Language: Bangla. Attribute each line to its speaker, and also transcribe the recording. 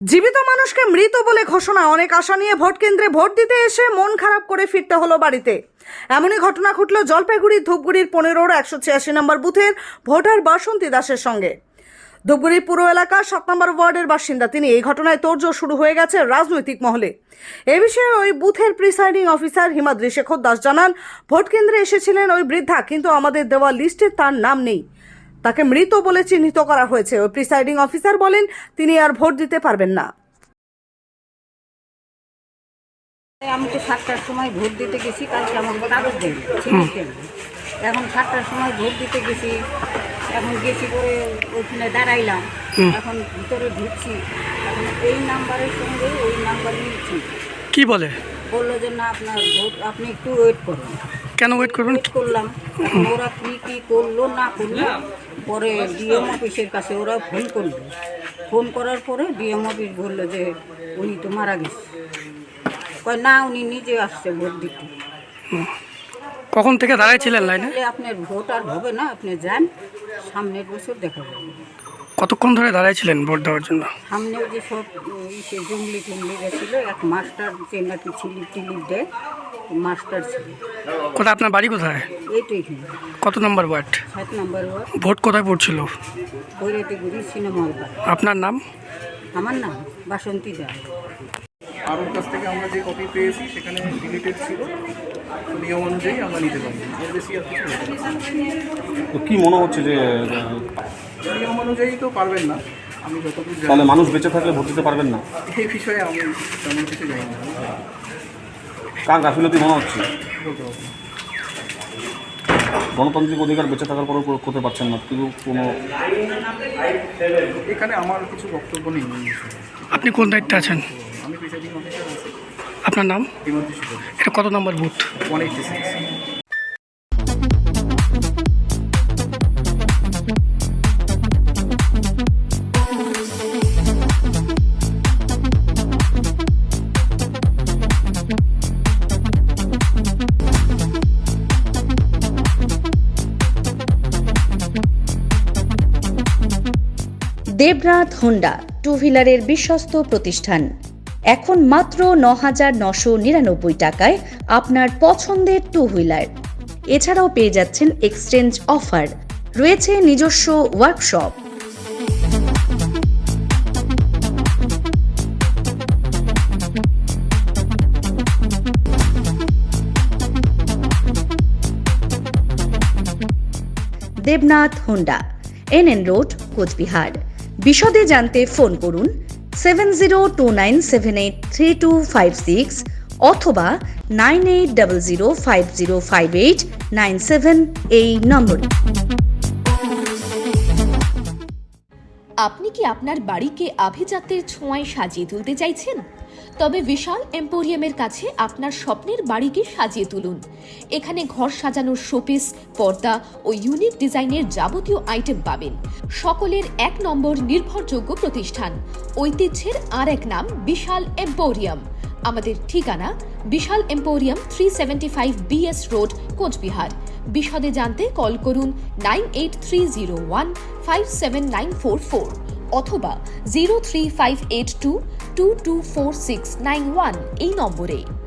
Speaker 1: জীবিত মানুষকে মৃত বলে ঘোষণা। অনেক আশা নিয়ে ভোট কেন্দ্রে ভোট দিতে এসে মন খারাপ করে ফিরতে হলো বাড়িতে। এমনই ঘটনা ঘটল জলপাইগুড়ির ধূপগুড়ির 15 186 নম্বর বুথের ভোটার বাসন্তী দাসের সঙ্গে। ধূপগুড়ির পুরো এলাকার 7 নম্বর ওয়ার্ডের বাসিন্দা তিনি। এই ঘটনায় তোড়জোড় শুরু হয়ে গেছে রাজনৈতিক মহলে। এ বিষয়ে ওই বুথের প্রিসাইডিং অফিসার হিমাদ্রি শেখর দাস জানান, ভোট কেন্দ্রে এসেছিলেন ওই বৃদ্ধা, কিন্তু আমাদের দেওয়া লিস্টে তার নাম নেই। তাকে মৃত বলে চিহ্নিত করা হয়েছে। ওই প্রিসাইডিং অফিসার বলেন তিনি আর ভোট দিতে পারবেন না।
Speaker 2: আমি তো 7টার সময় ভোট দিতে গেছি, কালকে আমার কাগজ দেবে এখন 7টার সময় ভোট দিতে গেছি, এখন গেছি করে ওইখানে দাঁড়াইলাম, এখন ভিতরে ঢুকছি, এখন এই নাম্বারের সঙ্গে ওই নাম্বার নিচ্ছি।
Speaker 3: কি বলে?
Speaker 2: বললো যে না, আপনার ভোট আপনি একটু ওয়েট করুন।
Speaker 3: কেন ওয়েট করবেন?
Speaker 2: করলাম, এখন ওরা কী করলো না করলো, পরে ডিএম অফিসের কাছে ওরা ফোন করলো। ফোন করার পরে ডিএম অফিস বললো যে উনি তো মারা গেছে। কয় না, উনি নিজে আসছে ভোট দিতে।
Speaker 3: কখন থেকে দাঁড়াইছিলেন লাইনে?
Speaker 2: আপনার ভোট আর হবে না, আপনি যান, সামনের বছর দেখা যাবে।
Speaker 3: কতক্ষণ ধরে দাঁড়াইছিলেন ভোট দেওয়ার জন্য?
Speaker 2: সামনেও যে সব জঙ্গলি টুঙ্গলি গেছিলো, এক মাস্টার যে নাকি ছিলিপ টিলিপ দেয়, মাস্টার ছিল।
Speaker 3: কোথায় আপনার বাড়ি? কোথায়?
Speaker 2: এই তো এখানে
Speaker 3: কত number ward?
Speaker 2: 7 number ward.
Speaker 3: Vote কোথায় পড়ছিল?
Speaker 2: বৈরাতিগুড়ি সিনেমা হল।
Speaker 3: আপনার নাম?
Speaker 2: আমার নাম বাসন্তী দাস।
Speaker 4: আর ওর কাছ থেকে আমরা যে কপি পেয়েছি সেখানে ডিলিটেড ছিল, নিয়ম অনুযায়ী আমরা নিতে পারি। এর বেশি আর কিছু হতে পারে না।
Speaker 5: তো কি মনে হচ্ছে যে
Speaker 4: নিয়ম অনুযায়ী তো পারবেন না, আমি যতদূর জানি।
Speaker 5: তাহলে মানুষ বেঁচে থাকলে ভোট দিতে পারবেন না?
Speaker 4: এই বিষয়ে আমি তেমন কিছু জানি না,
Speaker 5: কার গাফিলতি মনে হচ্ছে?
Speaker 4: বলতে পারবো না।
Speaker 5: গণতান্ত্রিক অধিকার বেঁচে থাকার পরেও করতে পারছেন না, কিন্তু কোনো
Speaker 4: এখানে আমার কিছু বক্তব্য নেই এই বিষয়ে।
Speaker 3: আপনি কোন দায়িত্বে আছেন?
Speaker 4: আমি প্রিসাইডিং অফিসার আছি।
Speaker 3: আপনার নাম?
Speaker 4: হিমাদ্রি শেখর।
Speaker 3: এটা কত number booth?
Speaker 4: 186।
Speaker 6: Debnath Honda two হুইলারের বিশ্বস্ত প্রতিষ্ঠান। এখন মাত্র 9,999 টাকায় আপনার পছন্দের টু হুইলার। এছাড়াও পেয়ে যাচ্ছেন এক্সচেঞ্জ অফার। রয়েছে নিজস্ব workshop. Debnath Honda, NN road, Cooch Behar. বিশদে জানতে ফোন করুন 7029783256 অথবা 9800505897 এই নম্বরে।
Speaker 7: আপনি কি আপনার বাড়িকে আভিজাত্যের ছোঁয়ায় সাজিয়ে তুলতে চাইছেন? তবে বিশাল এম্পোরিয়ামের কাছে আপনার স্বপ্নের বাড়িকে সাজিয়ে তুলুন। এখানে ঘর সাজানোর শোপিস, পর্দা ও ইউনিক ডিজাইনের যাবতীয় আইটেম পাবেন। সকলের 1 নম্বর নির্ভরযোগ্য প্রতিষ্ঠান। ঐতিহ্যের আর এক নাম বিশাল এম্পোরিয়াম। আমাদের ঠিকানা Vishal emporium, 375 BS road, Cooch Behar. বিশদে জানতে কল করুন 9830157944 অথবা 03582224691 এই নম্বরে।